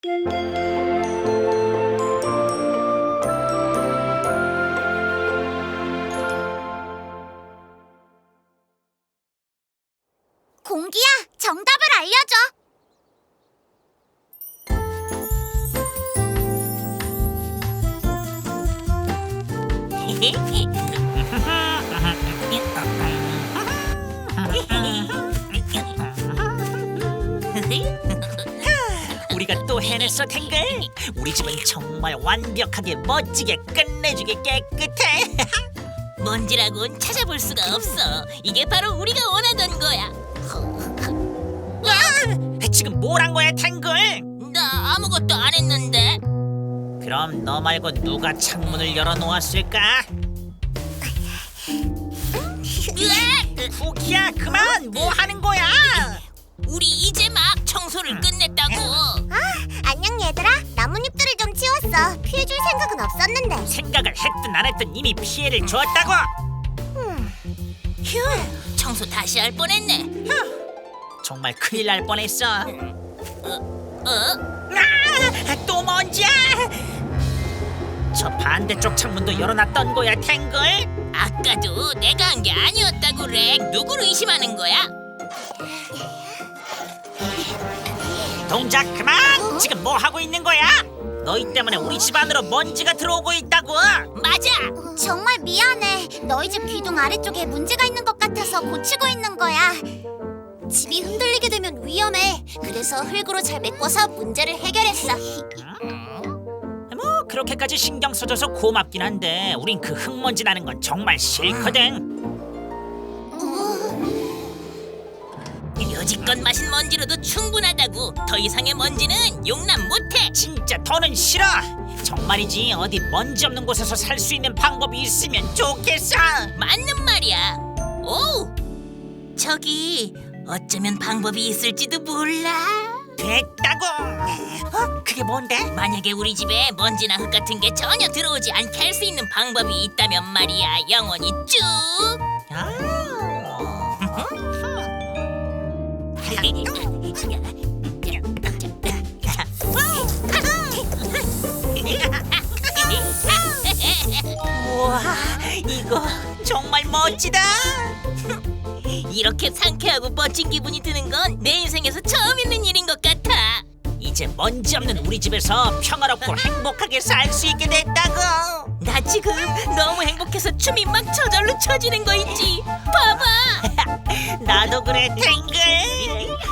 공기야, 정답을 알려줘. 우리가 또 해냈어, 탱글. 우리 집은 정말 완벽하게 멋지게 끝내주게 깨끗해. 먼지라곤 찾아볼 수가 없어. 이게 바로 우리가 원하던 거야. 지금 뭘 한 거야, 탱글? 나 아무것도 안 했는데. 그럼 너 말고 누가 창문을 열어놓았을까? 쿠키야, 그만! 뭐 하는 거야? 우리 이제 막 청소를 끝냈다고. 안녕 얘들아. 나뭇잎들을 좀 치웠어. 피해줄 생각은 없었는데. 생각을 했든 안 했든 이미 피해를 줬다고. 휴, 청소 다시 할 뻔했네. 정말 큰일 날 뻔했어. 어? 또 먼지야! 저 반대쪽 창문도 열어놨던 거야, 탱글? 아까도 내가 한 게 아니었다고 렉. 누구를 의심하는 거야? 동작 그만! 지금 뭐 하고 있는 거야? 너희 때문에 우리 집 안으로 먼지가 들어오고 있다고. 맞아. 정말 미안해. 너희 집 기둥 아래쪽에 문제가 있는 것 같아서 고치고 있는 거야. 집이 흔들리게 되면 위험해. 그래서 흙으로 잘 메꿔서 문제를 해결했어. 뭐 그렇게까지 신경 써줘서 고맙긴 한데 우린 그 흙먼지 나는 건 정말 싫거든. 여지껏 마신 먼지로도 충분하다고. 더 이상의 먼지는 용납 못해. 진짜 더는 싫어. 정말이지 어디 먼지 없는 곳에서 살 수 있는 방법이 있으면 좋겠어. 맞는 말이야. 오, 저기 어쩌면 방법이 있을지도 몰라. 됐다고. 그게 뭔데? 만약에 우리 집에 먼지나 흙 같은 게 전혀 들어오지 않게 할 수 있는 방법이 있다면 말이야. 영원히 쭉. 우와, 이거 정말 멋지다. 이렇게 상쾌하고 멋진 기분이 드는 건 내 인생에서 처음 있는 일인 것 같아. 이제 먼지 없는 우리 집에서 평화롭고 행복하게 살 수 있게 됐다고. 나 지금 너무 행복해서 춤이 막 저절로 춰지는 거 있지. 봐봐. 나도 그래, 탱글.